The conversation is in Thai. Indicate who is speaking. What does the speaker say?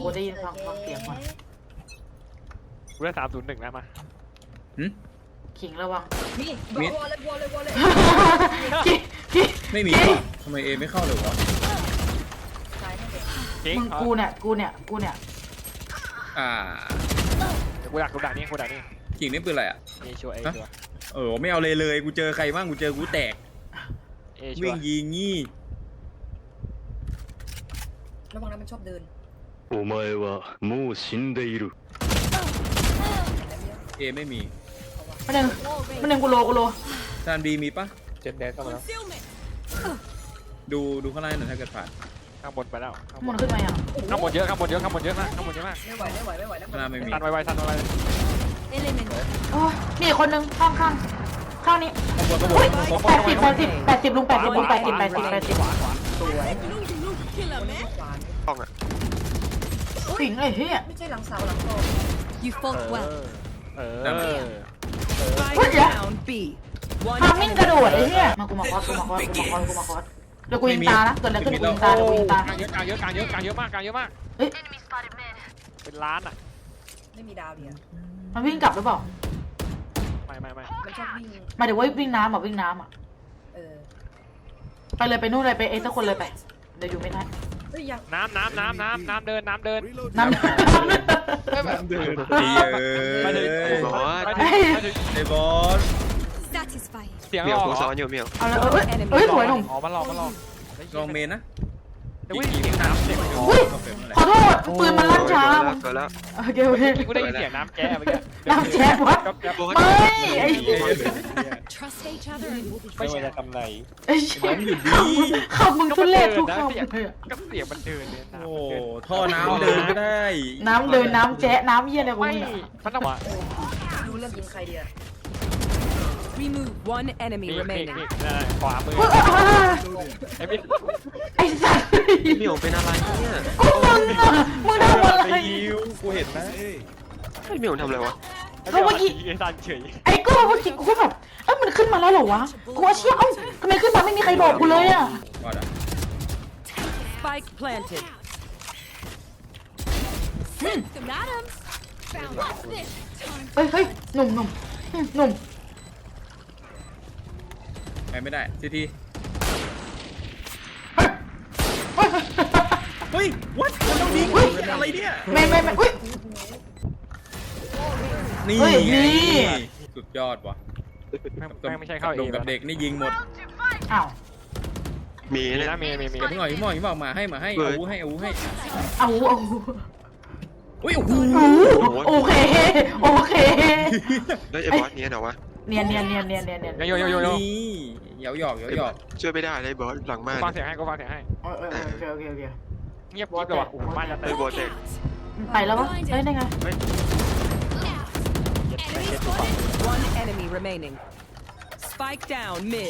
Speaker 1: กูได้ยินฟังเสียงก่อน
Speaker 2: กูได้301แล้วมา
Speaker 1: ขิงระวัง
Speaker 3: มีวอลเลย
Speaker 4: ไม่มีว่ะทำไมเอไม่เข้าเลยวะ
Speaker 3: ซ้ายไม่เด็ก
Speaker 2: จริง
Speaker 1: มึงกูเนี่ย
Speaker 2: กูดักนี่กูดักนี่
Speaker 4: กิ่งนี่ปืนอะไรอ่ะ
Speaker 2: เอชัวร์เอชัวร์
Speaker 4: ไม่เอาเลยกูเจอใครบ้างกูเจอกูแตก
Speaker 2: เอชัว
Speaker 4: วิ่ง
Speaker 2: ร์
Speaker 4: ยิงงี้
Speaker 3: ระวังนะมันชอบเดิน
Speaker 5: お前はもう死んでいる。
Speaker 4: เอไม่มี
Speaker 1: มันหนึ่งกูโล
Speaker 4: จานบีมีปะ
Speaker 2: เจ็ดแดนเข้ามาแล้ว
Speaker 4: ดูข้างล่างหน่อยถ้าเกิดผ่าน
Speaker 2: ข้างบนไปแล้ว
Speaker 1: มันขึ้นมาอย่าง
Speaker 2: ข้างบนเยอะมากข้างบนเยอะมาก
Speaker 3: ไม่ไหวแล้ว
Speaker 4: ข้างล่างไม่มี
Speaker 2: ทันไวๆทันไว
Speaker 1: โอ้ยมีคนนึงข้างนี้
Speaker 2: ข้างบน
Speaker 1: อุ้ย80ลุง80ลุง80
Speaker 2: สวย
Speaker 6: ต้องอ่ะ
Speaker 1: สิงไอ้เหี้ย
Speaker 3: ไม่ใช่หลังเสาหลังโต
Speaker 7: You fought well.
Speaker 1: Spike
Speaker 7: down B.
Speaker 1: ทำมิ่งกระโดดไอ้เหี้ยมากูมาคอสเดี๋ยวกูยิงตานะเกิดอะไรขึ้นกูยิงตา
Speaker 2: กลางเยอะมาก
Speaker 1: เฮ้ย
Speaker 2: เป็นล้านอ่ะ
Speaker 3: ไม่มีดาวเดียว
Speaker 1: มันวิ่งกลับหรือเปล่า
Speaker 2: ไม่
Speaker 3: มันชอบวิ่ง
Speaker 1: หมายถึงว่าวิ่งน้ำอ่ะ ไปเลยไปนู่นเลยไปเอสักคนเลยไปเดี๋ยวอยู่ไม่ได้
Speaker 3: เฮ้ยยัง
Speaker 2: น้ำเดิน
Speaker 1: น้ำ
Speaker 4: เดินดี
Speaker 2: ไม่ได้
Speaker 4: ไอ้บอส
Speaker 7: Satisfied.
Speaker 2: เสียง
Speaker 6: เมี
Speaker 2: ห
Speaker 6: ย
Speaker 2: ล
Speaker 6: ว
Speaker 2: อก
Speaker 6: กูซ้อนอยู่เมียว
Speaker 1: เอาเลยเอ้ยสวยหนุ่ม
Speaker 2: อ๋อมันหลอก
Speaker 4: ลองเมนนะ
Speaker 2: เดี๋ยววิ่งน้ำเสียง
Speaker 1: อุ้ยขอโทษปืนมันลั่นช้า
Speaker 6: เกิดแล้ว
Speaker 1: โอเค
Speaker 2: กูได้ยินเสียงน้ำแก้เมื่อกี้
Speaker 1: น้ำแช่วะไม่ไอ้
Speaker 7: Trust each other and we'll be
Speaker 2: ไม่ใช่ทำไร
Speaker 1: ไอ้คำมึงทุเรศทุกคำเลย
Speaker 2: ก็เสียงมันเดินเนี่ย
Speaker 4: โอ้ท่อน้ำเดินก็ได้
Speaker 1: น้ำเดินน้ำแจ๊น้ำเยี่ยอะไรกู
Speaker 2: ไม่
Speaker 1: เนี่ย
Speaker 2: มันต้องว่า
Speaker 3: ดูเรื่องยิงใครเดียว
Speaker 7: remove one enemy
Speaker 2: มี
Speaker 7: remaining.
Speaker 2: ขวามือไอ้พี่
Speaker 1: ไอ้สัตว์
Speaker 6: เมียวเป็นอะไรเนี่ย
Speaker 1: กูมึงทำอะไร
Speaker 2: กูเห็นนะ
Speaker 6: เมียวทำอะไรวะ
Speaker 2: ไอ้ซันเฉย
Speaker 1: ไอ้กูเมื่อกี้กูก็แบบมันขึ้นมาแล้วเหรอวะกูว่าเชี่ยทำไมขึ้นมาไม่มีใครบอกกูเลยอ่ะ
Speaker 4: ว่าด
Speaker 7: Spike planted.
Speaker 1: เฮ้ยหนุ่ม
Speaker 4: ไปไม่ได้ทีทีเฮ้ยวัดมันต้องยิงเป็นอะไรเนี่ย
Speaker 1: ไม่อุ้ย
Speaker 4: นี่
Speaker 1: เฮ้ย
Speaker 4: ไง
Speaker 1: นี่
Speaker 4: สุดยอดว่ะ
Speaker 2: ไม่ใช่เข้าเอ
Speaker 4: ลงกับเด็กนี่ยิงหมด
Speaker 1: อ้าว
Speaker 6: มี
Speaker 2: มี
Speaker 6: เนี่ย
Speaker 2: นะมี
Speaker 4: เดี๋ยวพี่หน่อยพี่บอกมาให้เอาวูให้
Speaker 1: เอา
Speaker 4: อุ้ยโอ้โห
Speaker 1: โอเค
Speaker 6: แล้วไอ้บอสเนี้ยเหรอวะ
Speaker 1: เนียน
Speaker 2: โย
Speaker 4: นี่เหยาหยอก
Speaker 6: ช่วยไม่ได้เลยบอสหลังบ้าน
Speaker 2: ฟังเสียงให้กูฟังเสียงให้
Speaker 1: โอเค
Speaker 2: เงียบกิ๊บเลยว่ะบ้านจะเต็
Speaker 6: ไอ้
Speaker 2: ม
Speaker 6: บอสเด็ก
Speaker 1: ไปแล้ววะได้ไง
Speaker 7: One enemy remaining. Spike down mid.